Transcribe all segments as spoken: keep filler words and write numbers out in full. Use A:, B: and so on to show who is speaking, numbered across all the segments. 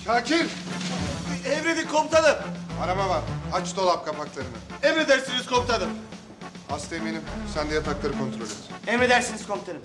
A: Şakir!
B: Emredin komutanım.
A: Araba var. Aç dolap kapaklarını.
B: Emredersiniz komutanım.
A: Hasta eminim. Sen de yatakları kontrol et.
B: Emredersiniz komutanım.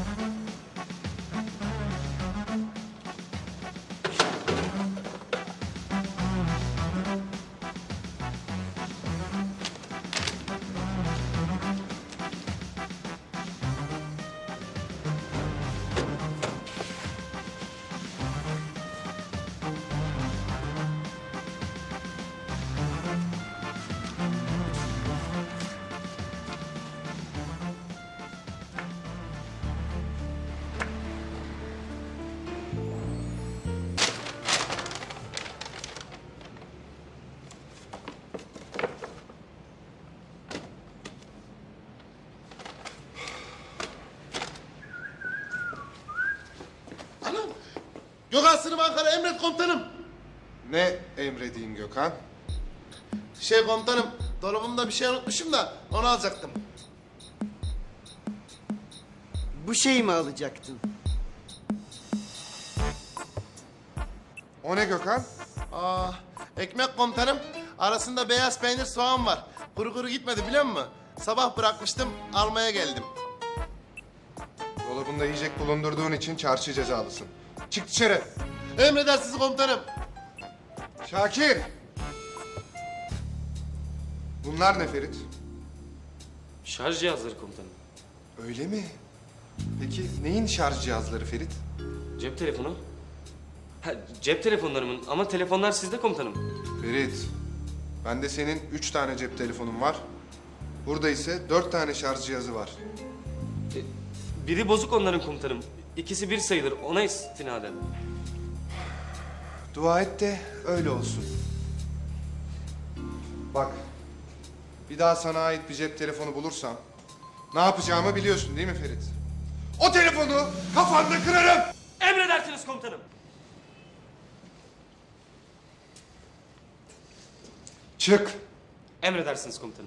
C: Anam! Gökhan Sınıf Ankara emret komutanım.
A: Ne emredeyim Gökhan?
C: Şey komutanım, dolabımda bir şey unutmuşum da onu alacaktım.
B: Bu şeyi mi alacaktın?
A: O ne Gökhan?
C: Aa, ekmek komutanım. Arasında beyaz peynir soğan var. Kuru kuru gitmedi biliyor musun? Sabah bırakmıştım, almaya geldim.
A: Dolabında yiyecek bulundurduğun için çarşı cezalısın. Çık dışarı.
C: Emredersiniz komutanım.
A: Şakir! Bunlar ne Ferit?
D: Şarj cihazları komutanım.
A: Öyle mi? Peki neyin şarj cihazları Ferit?
D: Cep telefonu. Ha, cep telefonlarımın ama telefonlar sizde komutanım.
A: Ferit, bende senin üç tane cep telefonun var. Burada ise dört tane şarj cihazı var.
D: E, biri bozuk onların komutanım. İkisi bir sayılır ona istinaden.
A: Dua et de öyle olsun. Bak, bir daha sana ait bir cep telefonu bulursam ne yapacağımı biliyorsun değil mi Ferit? O telefonu kafanda kırarım!
D: Emredersiniz komutanım.
A: Çık!
D: Emredersiniz komutanım.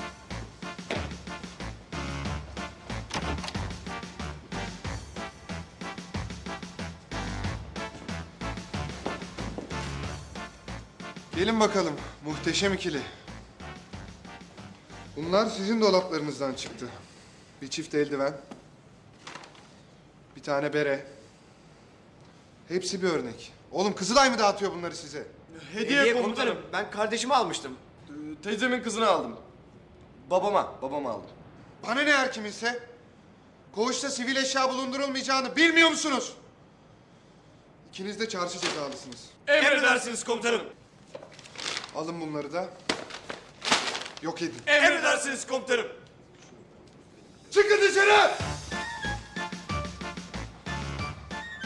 A: Gelin bakalım muhteşem ikili. Bunlar sizin dolaplarınızdan çıktı. Bir çift eldiven. Bir tane bere. Hepsi bir örnek. Oğlum Kızılay mı dağıtıyor bunları size?
B: Hediye, komutanım. Ben kardeşime almıştım.
E: Ee, Teyzemin kızını aldım. Babama, babama aldım.
A: Bana ne her kiminse? Koğuşta sivil eşya bulundurulmayacağını bilmiyor musunuz? İkiniz de çarşı cezalısınız.
E: Emredersiniz komutanım.
A: Alın bunları da. Yok edin.
E: Emredersiniz komutanım.
A: Çıkın dışarı!